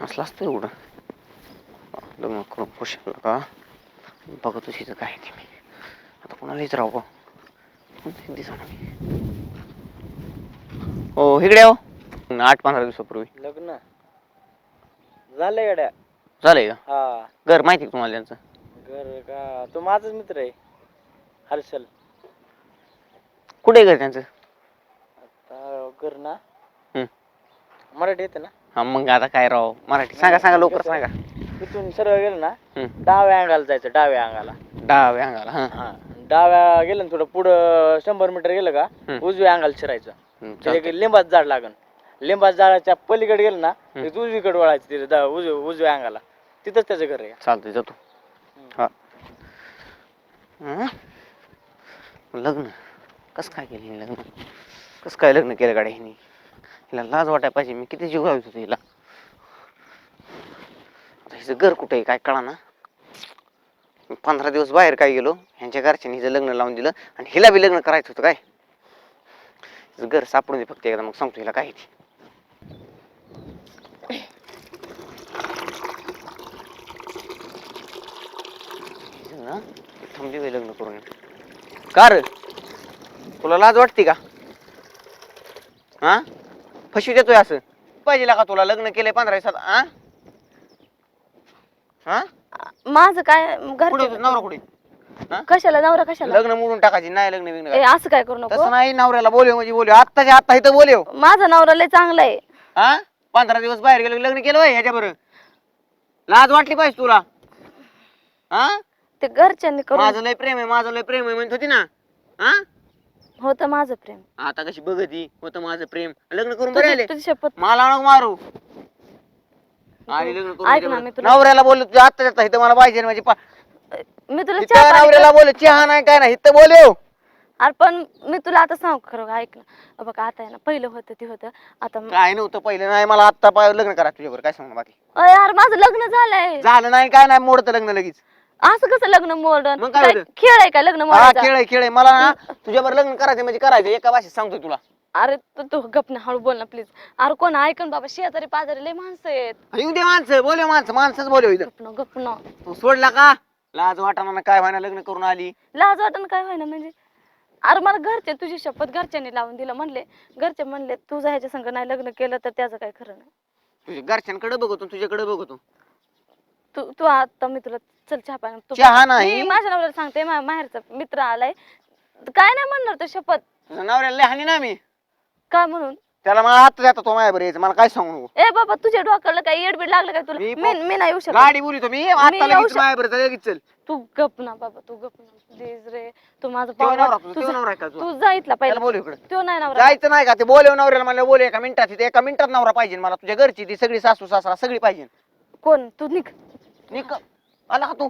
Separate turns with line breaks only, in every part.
असलं असतं एवढं लग्न करून खुश का बघतो तिथं काय ते मी आता कोणालाच राहू दिसणार हो इकडे हो 8-15 दिवसापूर्वी
लग्न झालंय गड्या.
झालंय का
हा
घर माहिती का तुम्हाला त्यांचं
घर का तो माझाच मित्र आहे हर्षल.
कुठे आहे घर त्यांचं
घर ना
हम्म.
मराठी येते ना.
हा मग आता काय राव मराठी सांगा लवकर सांगा.
तिथून सरळ गेलं ना डाव्या अंगाला जायचं डाव्या अंगाला.
डाव्या अंगाला हा
हा डाव्या गेलं ना थोडं पुढं 100 मीटर गेलं का उजव्या अंगाला शिरायचं. त्याच्या लिंबाचं झाड लागन. लिंबाच्या झाडाच्या पलीकडे गेलं ना उजवीकडे वळायचं तिथे उजव्या अंगाला तिथंच त्याचं घर आहे.
चालतंय जातो हा लग्न कसं काय केलं लग्न कसं काय लग्न केलं गाड्या हिने हिला लाज वाटाय पाहिजे मी किती जीव लावत होतो हिला हिचं घर कुठे आहे काय कळा ना 15 दिवस बाहेर काय गेलो ह्यांच्या घरच्यांनी हिचं लग्न लावून दिलं आणि हिला बी लग्न करायचं होतं काय हिचं घर सापडून दे फक्त एकदा मग सांगतो हिला काय ती थांबली लग्न करून का रे तुला लाज वाटते का हा फशी देतोय असं पाहिजे का तुला लग्न केलंय 15 दिवसात हा
माझं काय
कुठे नवरा कुठे
कशाला नवरा कशाला
लग्न मोडून टाकायची नाही लग्न बिग्न
असं काय करू नको
तसं नाही नवऱ्याला बोलव म्हणजे बोलव आत्ताच्या आत्ता इथं बोलव
माझा नवरा लय चांगला आहे.
हा 15 दिवस बाहेर गेलो लग्न केलं बाई ह्याच्या बरोबर लाज वाटली पाहिजे तुला हा
ते घरच्यांनी करून
माझं लय प्रेम आहे म्हणत होती ना हा
होतं माझं प्रेम.
आता कशी बघती होतं माझं प्रेम लग्न करून बरे आले
तुझी शपथ
मला नको मारू आणि लग्न
ऐक ना,
करून
मी तुला
नवऱ्याला बोललो तुझ्या आत्ता इथं मला पाहिजे म्हणजे
मी तुला चहा पाणी
नवऱ्याला बोल चहा नाही काय नाही इथं बोलव
अरे पण मी तुला आता सांग खरं ऐक ना बघ आता आहे ना पहिलं होतं ते होतं आता
काय नव्हतं पहिलं नाही मला आत्ता लग्न करा तुझ्यावर काय सांग बाकी
यार माझं लग्न झालंय.
झालं नाही काय नाही मोडतं लग्न लगेच
असं कसं लग्न मॉडर्न
मग काय होतं?
खेळ आहे का लग्न
हा
मोडायचा?
खेळ आहे मला ना तुझ्यावर लग्न करायचं म्हणजे करायचं एका भाषेत सांगतोय तुला
अरे तू गप ना हळू बोल ना प्लीज. अरे कोण ऐकन बाबा शेजारी पाजारी लय माणसं आहेत.
येऊ दे माणसं बोलव माणसंच बोलव इथं
गप ना
तू सोडला का लाज वाटाना काय व्हायना लग्न करून आली
लाज वाटण काय व्हायना म्हणजे अरे मला घरचे तुझी शपथ घरच्यांनी लावून दिलं म्हणले घरचे म्हणले तुझं ह्याच्या संग नाही लग्न केलं तर त्याचं काय खरं नाही.
तुझ्या घरच्यांकडे बघतो तुझ्याकडे बघतो
तू तू आता मी तुला चल चहा पाणी
चहा नाही
मी माझ्या नवऱ्याला सांगते माहेरचा मित्र आलाय काय नाही म्हणणार तो शपथ
तुझ्या नवऱ्याला लय हानी ना मी
काय म्हणून
त्याला मला आता जातो तो माझ्यावर यायचं मला काय सांगू नको
ए बाबा तुझ्या डोक्याला काय येडबीड लागलं काय तुला मी नाही येऊ शकत
गाडी बोलितो मी आता
येऊ
लगेच माझ्यावर लगेच चल
तू गप ना बाबा तू गप ना प्लीज रे तू माझा
तो नवरा
पाहुणा
तुझा, तो नवरा आहे का तुझा?
तू जा इथला
त्याला
पहिला
बोलव इकडे
तो नाही नवरा
जायचं नाही का ते बोलव नवऱ्याला मला बोल एका मिनिटात तिथे एका मिनिटात नवरा पाहिजे मला तुझ्या घरची ती सगळी सासू सासरा सगळी पाहिजे
कोण तू निघ
निक आला का तू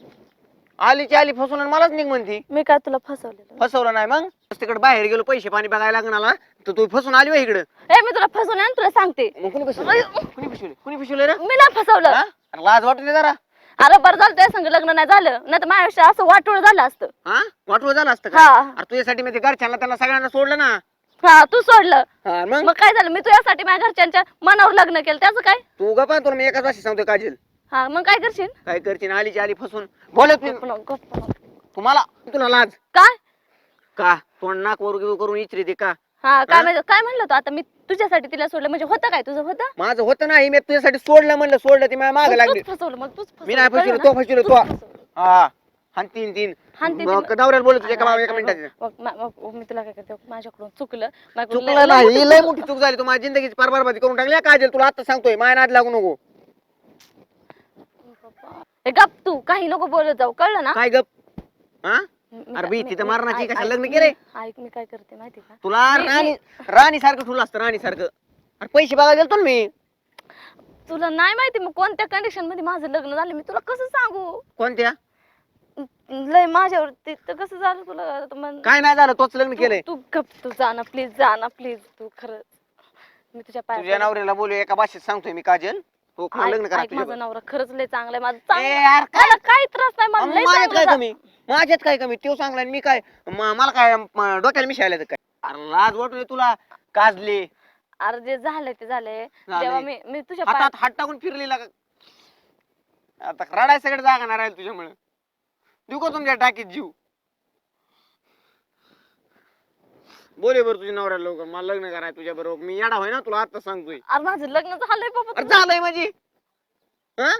आलीची आली फसून आणि मलाच निघ म्हणती
मी काय तुला फसवलेलं
फसवलं नाही मग तिकडे बाहेर गेलो पैसे पाणी बघायला लागणार तर तू फसून आली इकडे
ए मी तुला फसवलं आणि तुला सांगते
मग कुणी फसवलं कुणी फसवलं रे
मी नाही फसवलं
हा? अरे लाज वाटते जरा
अरे बरं झालं तुझ्या संग लग्न नाही झालं नाही तर माझ्या आयुष्यात असं वाटोळ झालं असतं.
हा वाटवं झालं असतं का
हा
अरे तुझ्यासाठी मी ते घरच्यांना त्यांना सगळ्यांना सोडलं ना
हा तू सोडलं
हा मग
मग काय झालं मी तुझ्यासाठी माझ्या घरच्यांच्या मनावर लग्न केलं त्याचं काय
तू गप्पा तुला मी एकाच भाषेत सांगतोय काजल
हा मग काय करशील
काय करशील आलीची आली फसून बोलत
गप्प नको, गप्प नको.
तुम्हाला तुला लाज
काय
का तोंड नाक वर करून इचरी दे का
हा काय म्हणजे काय म्हणलं तू आता मी तुझ्यासाठी तिला सोडलं म्हणजे होतं काय तुझं होतं
माझं होतं नाही मी तुझ्यासाठी सोडलं म्हणलं सोडलं ती माझ्या मागे लागली
तूच फसवलं मग तूच
मी नाही
फसवलं,
फसवलं तो
कळलं
फसवलं
ना?
तो
तूच फसवलं.
हा हान तीन
हाणतीन
मग
तीन.
नवऱ्याला बोलत तुझ्या
हा,
एका मिनिटात
मग मी तुला काय करते माझ्याकडून चुकलं माझ्याकडून
चुकलं नाही लय मोठी चूक झाली तू माझ्या जिंदगीची पार बरबादी करून टाकली काजल तुला आता सांगतोय माया नाद लागू नको
ए, गप तू काही नको बोलत जाऊ कळलं ना
काय गप हा
मी-
अरे भीती तर
मी-
मारण्याची
ऐक-
कशा
ऐक-
लग्न केलंय
ऐक मी काय करते माहिती का
तुला राणी सारखं ठुलं असतं राणी सारखं अरे पैसे बघायला गेलतो ना मी
तुला नाही माहिती मग कोणत्या कंडिशन मध्ये माझं लग्न झालं मी तुला कसं सांगू
कोणत्या
लय माझ्यावरती तर कसं झालं तुला आता
काय नाही झालं तोच लग्न केलंय
तू गप तू जा ना प्लीज तू खरंच मी तुझ्या
तुझ्या
पाया
नवऱ्याला बोलू एका भाषेत सांगतोय मी काजल हो खरं लग्न करा
माझा
तुझ्यावर.
नवरा खरंच लय चांगला आहे माझं
ए
चांगलं
यार काय
मला काही त्रास नाही मला लय
माझ्यात काय
चांगलं
कमी माझ्यात काय कमी तो चांगला आणि मी काय मला काय डोक्याला मिशायला काय अरे लाज वाटू दे तुला काजले
अरे जे झालंय ते झालंय.
झालंय.
तेव्हा मी तुझ्या
हातात हात टाकून फिरलेला का आता रडाय सगळं जागा नाही राहील तुझ्यामुळे. देऊ का तुमच्या टाकीत जीव? बोले बरं तुझ्या नवऱ्याला लवकर, मला लग्न करायचं तुझ्या बरोबर. मी येडा होय ना तुला आता सांगतोय.
अरे माझं लग्न झालंय बाबा.
अरे झालंय माझी. हं?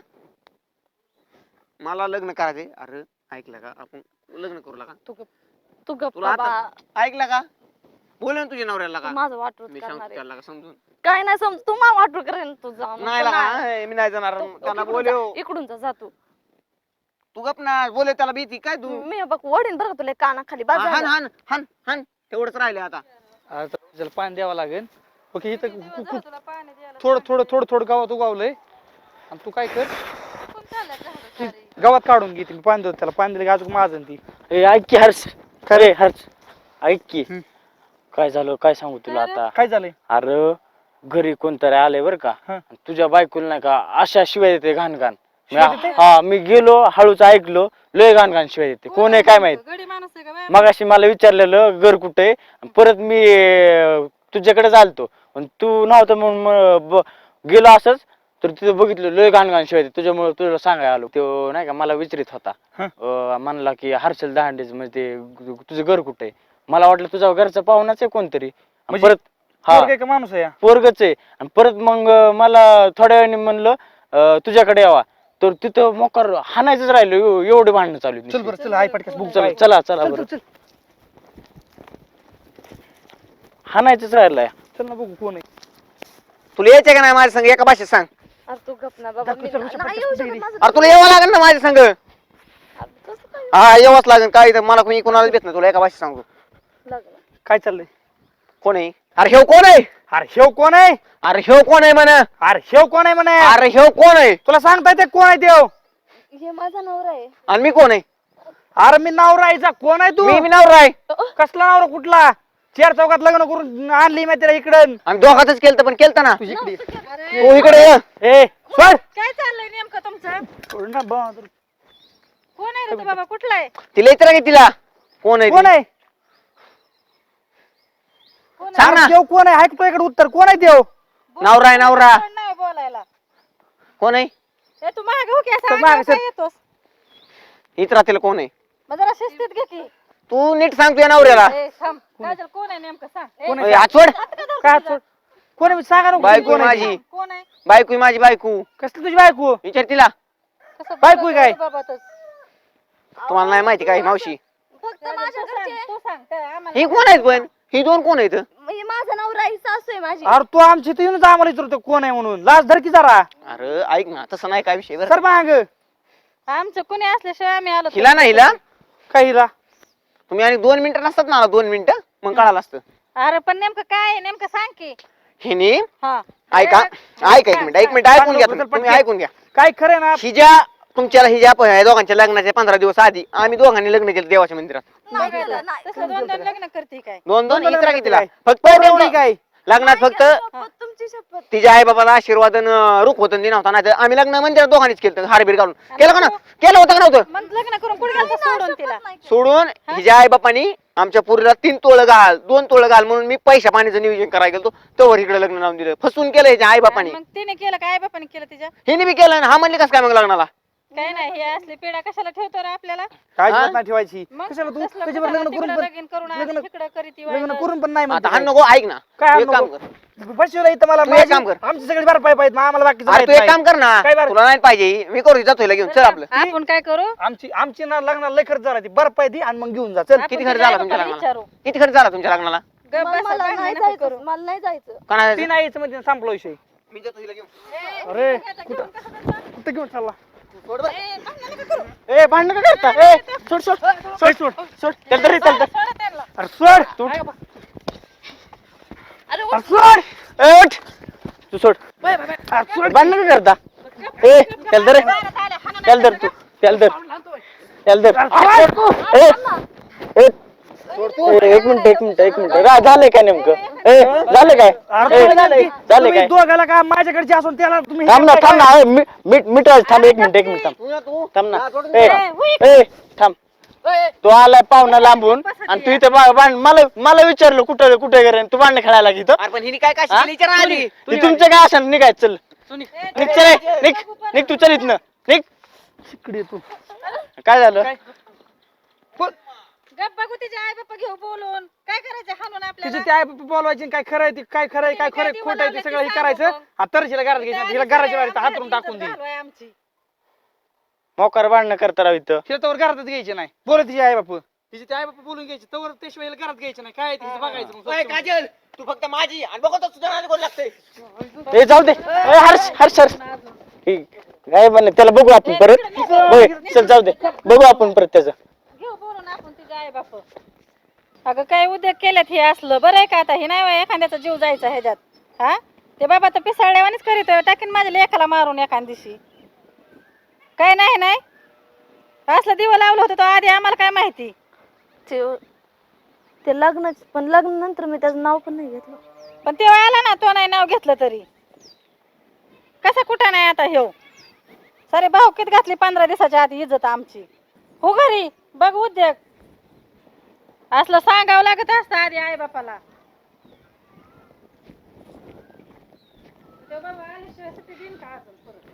मला लग्न करायचंय. अरे ऐकलं का, आपण लग्न करू लागा.
तू गप्प
तुला
बाबा.
आता ऐकलं का? बोल ना तुझ्या नवऱ्याला
तू
का,
माझं वाटून
मी
करणार
सांगतो
आहे.
त्याला का समजून.
काय नाही समज तू मला वाटून करेन तू जा मग.
नाही
तू
लागा,
नाही.
मी नाही जाणार. त्यांना
इकडून
बोलव.
जा, इकडून जा तू.
तू गप ना, बोले त्याला भीती काय तू.
मी बघ वडीन बरं का तुला कानाखाली
हन
बाजार.
हन हन हन तेवढंच राहिले आता.
आता त्याला पाणी द्यावं लागेल. ओके इथं थोडं थोडं थोडं थोडं गावात उगावलंय आणि तू काय कर ती गावात काढून घे. मी पाणी देतो त्याला, पाणी दिलं की अजून माझं ती.
ए ऐक की हर्ष, खरे हर्ष ऐक की काय झालं काय सांगू तुला आता.
काय झालंय?
अरे घरी कोणतरी आलंय बर का,
हा.
तुझ्या बायकोला नाही का अशा शिवाय देते घाण घाण.
शिव्या देते?
हा मी गेलो हळूच ऐकलो, लय घाण घाण शिवाय देते. कोण आहे काय माहित. मगाशी मला विचारलेलं घर कुठे, परत मी तुझ्याकडे चालतो तू नव्हतं म्हणून गेलो असंच, तर तिथं बघितलं लय घाण घाण शिवाय देते. तुझ्यामुळे तुला सांगायला आलो. तो नाही का मला विचारित होता, म्हणला की हर्षल दहांडेच म्हणजे तुझं घर कुठे. मला वाटलं तुझा घरचा पाहुणाच आहे कोणतरी.
म्हणजे
परत हा
पोरगं आहे का माणूस आहे?
पोरगच आहे. आणि परत मग मला थोड्या वेळाने म्हणलं तुझ्याकडे यावा, तर तिथं मोकार हाणायचंच राहिलो. एवढे भांडणं चालू आहेत.
चल बरं चल, आई पटकन बुक
चला चला चला बरं. हाणायचंच राहिलंय.
चल ना बघू कोण आहे.
तुला यायचंय का नाही माझ्या संग, एका भाषेत सांग.
अरे तू गप ना बाबा.
दाखव, चल,
नाही
पटकन
येऊ
दे.
शकत माझं.
अरे तुला यावं लागेल ना माझ्या संग.
अरे कसं काय
हा यावंच लागेल. काय इथं मला कोणी कोणाला भेट नाही. तुला एका भाषेत सांगतो.
लग्न?
काय चाललंय?
कोण आहे? अरे ह्यो कोण आहे?
अरे शेव कोण आहे?
अरे ह्यो कोण आहे म्हणा?
अरे शेव कोण आहे म्हणे?
अरे ह्यो कोण आहे?
तुला सांगता येते कोण आहे देव?
हे माझा नवरा आहे.
आणि मी कोण आहे?
अरे मी नवरा आईचा. कोण आहे तू?
मी नवरा आहे.
कसला नवरा कुठला? चार चौकात लग्न करून आणली मी त्याला इकडं.
आणि दोघातच केलं पण केलं ना.
तुझी इकडे
तू इकडे ये.
ए सोड.
काय चाललंय नेमकं तुमचं?
सोड ना बा-
कोण आहे रे तो बाबा, कुठला आहे?
तिला विचारा की तिला कोण आहे
कोण
ती?
आहे?
सांग ना.
देव कोण आहे? ऐकतो इकडे उत्तर. कोण आहे देव?
नवरा आहे नवरा.
कोण नाही बोलायला.
कोण आहे?
ए तू मागे हो की, असं
तर
अंगावर
मागे
काय
सर.
येतोस?
इतरा तिला कोण आहे?
मग जरा शिस्तीत घे की.
तू नीट सांग तुझ्या नवऱ्याला.
ए थांब, काय झालं? कोण आहे नेमकं सांग. ए,
कोण
ओय,
आहे?
हात सोड.
काय हात सोड? कोण आहे? सांगा ना
बायको
कोण आहे?
माझी.
कोण आहे?
बायको आहे माझी बायको.
कसली तुझी बायको?
विचार तिला.
कसं
बायको
बोलत
काय?
आहे बाबा तू?
तुम्हाला नाही माहिती काय मावशी?
फक्त
काय
माझ्या
तू सांग,
घरचे.
तू सांग काय आम्हाला
ही कोण आहेत पण? ही दोन कोण आहेत?
हे माझा नवरा आहे, सासू आहे माझी.
अरे तू आमची इथं येऊनच आम्हाला विचारतो कोण आहे म्हणून. लाज धर की जरा.
अरे ऐक ना, तसं नाही काय विषय बरं.
सर माग
आमचं कोणी असल्याशिवाय आम्ही आलो.
हिला ना हिला
काय हिला?
तुम्ही आणि 2 मिनिटं नसतात ना, 2 मिनिटं मग कळालं असतं.
अरे पण नेमकं काय आहे? नेमकं सांग की.
हिने
हा
ऐका ऐका एक मिनिट ऐकून घ्या तुम्ही ऐकून घ्या.
काय खरं ना?
हिच्या ह्या दोघांच्या लग्नाच्या 15 दिवस आधी आम्ही दोघांनी लग्न केलं देवाच्या मंदिरात.
नाही केलं, नाही.
तसं दोन दोन लग्न करते काय?
दोन
दोन
इतरा
लग्न
कितीला
काय?
फक्त
एवढी काय?
लग्नात
नाही
फक्त
केलं, शपथ, तुमची शपथ.
तिच्या आई बाबाला आशीर्वाद रुख होतं दिना होता. नाही तर आम्ही लग्न मंदिरात दोघांनीच केलं. हारबीर घालून केलं का ना? केलं होतं का नव्हतं?
मग लग्न करून कुठे गेलता सोडून तिला?
नाही केलं.
सोडून हिच्या आई बापानी आमच्या पुरीला 3 तोळं घाल 2 तोळं घाल म्हणून मी पैशा पाण्याचं नियोजन करायला गेलो. तोवर इकडे लग्न लावून दिलं. फसवून केलं हिच्या आई बापानी.
मग तिने केलं काय? बापाने केलं तिच्या?
हिने बी केलं. हा म्हणले कसं काय मग लग्नाला?
काय नाही, हे असली पिढा कशाला ठेवतो रे आपल्याला?
काय
हा?
नाही ठेवायची.
मग
कशाला तू
तसलं
त्याच्यावर
कुठं
लग्न करून
तिकडं
पण
लगीन करून आणि
लग्न
इकडं करीती
लग्न
वाहिलं.
करून पण नाही
आता
म्हणते
हा
काय.
नको ऐक ना.
काय
तू
हाण
एक काम
नको?
कर.
बसवलं इथं मला
तू एक काम कर.
आमची सगळी बार पाय पाहिजे अम्हाला बाकी
अरे तू एक काम कर ना.
काय बरं?
तुला नाही पाहिजे मी करू जातो हिला घेऊन. चल आपलं.
आपण काय करू?
आमची ना लग्नाला लय खर्च झाला ती बर पाय दी आणि मग घेऊन जा. चल
आपण
किती खर्च
तिच्या
झाला तुमच्या
आई-बापाला
लग्नाला?
विचारू.
किती खर्च झाला तुमच्या लग्नाला?
गप्प
मला
बसा,
मला
भांडणं
नाही
नको
जायचं,
करू.
मला नाही जायचं.
कोणाला
ती नाही यायचं म्हणजे संपला विषय.
मी जातो हिला घेऊन.
अरे कुठं घेऊन चालला?
सोड बरं.
ए, भांडणं नको करू.
ए भांडण का करता? ए सोड सोड सोड सोड सोड. चल तरी चल.
सोडा त्यांना.
अरे सोड तू.
अरे
अरे सोड.
ए, उठ. तू सोड.
अरे सोड.
भांडण का करता? ए चल दर चल दर तू चल दर चल दर. ए, ए, एक मिनिट झालंय काय नेमकं? ए झालं काय?
अरे
ए,
झालंय.
झालं
तुम्ही
काय?
दोघाला का माझ्याकडचे असून त्याला तुम्ही
थांब ना थांब ना. मिट थांब एक मिनिट थांब. थांब ना. ए
होय.
ए थांब.
तो आलाय पाहुणा लांबून आणि तू इथे मला विचारलं कुठं कुठे गेले तू भांडण खेळायला इथं
अरे पण हिने काय काय
हा?
शिकली विचार आली
हे तुमचं काय असं निघायचं चल निघ चल निघ निघ तू चल इथनं निघ
इकडे तू
काय झालं
गप बघू तिचे आई बाप्पा घेऊ बोलून काय करायचं हाणून
तिचे
आपल्याला
ते आई बाप्पा बोलवायचे काय खरं आहे ते काय खरं आहे काय खरं आहे खोटं आहे ते सगळं हे करायचं तर हिला घरात घ्यायचं हिला घराच्या बाहेर हातरून टाकून दे
आमची
मोकार भांडणं करता राव इथं
हिला तवर घरातच घ्यायचे नाही बोलत तिचे आई बाप तिचे ते आई बाप्पा बोलून घ्यायचे तवर त्याशिवाय हिला घरात घ्यायचं नाही काय आहे तिचं बघायचं मग
ओय,
स्वच्छ.
काजल तू फक्त माझी आणि बघतो तुझं कोण लागतंय
ए जाऊ दे ए, हर्ष हर्ष हर्ष हे, काय म्हणलं त्याला बघू आपण परत होय चल जाऊ दे बघू आपण परत त्याचं
घेऊ बोलून आपण तिचे आई बाप अगं काय उद्योग केल्यात हे असलं बरं आहे का आता हे नाही होय एखाद्याचा जीव जायचा ह्याच्यात हा ते बाबा तर पिसाळल्यावानीच करीतोय टाकीन माझ्या लेखाला मारून एखाद दिवशी काय नाही नाही असलं दिवं लावलं होतं तो आधी आम्हाला काय माहिती
ते लग्न पण लग्न नंतर मी त्याचं नाव पण नाही घेतलं.
पण तेव्हा आला ना तो नाही नाव घेतलं तरी कसा कुठं नाही आता ह्यो सारे भाऊकीत घातली 15 दिवसाच्या आधी इज्जत आमची हो घरी बघ उद्योग असलं सांगावं लागत असतं आधी आई बापाला तो बाबा आल्याशिवाय सुट्टी देईन का अजून परत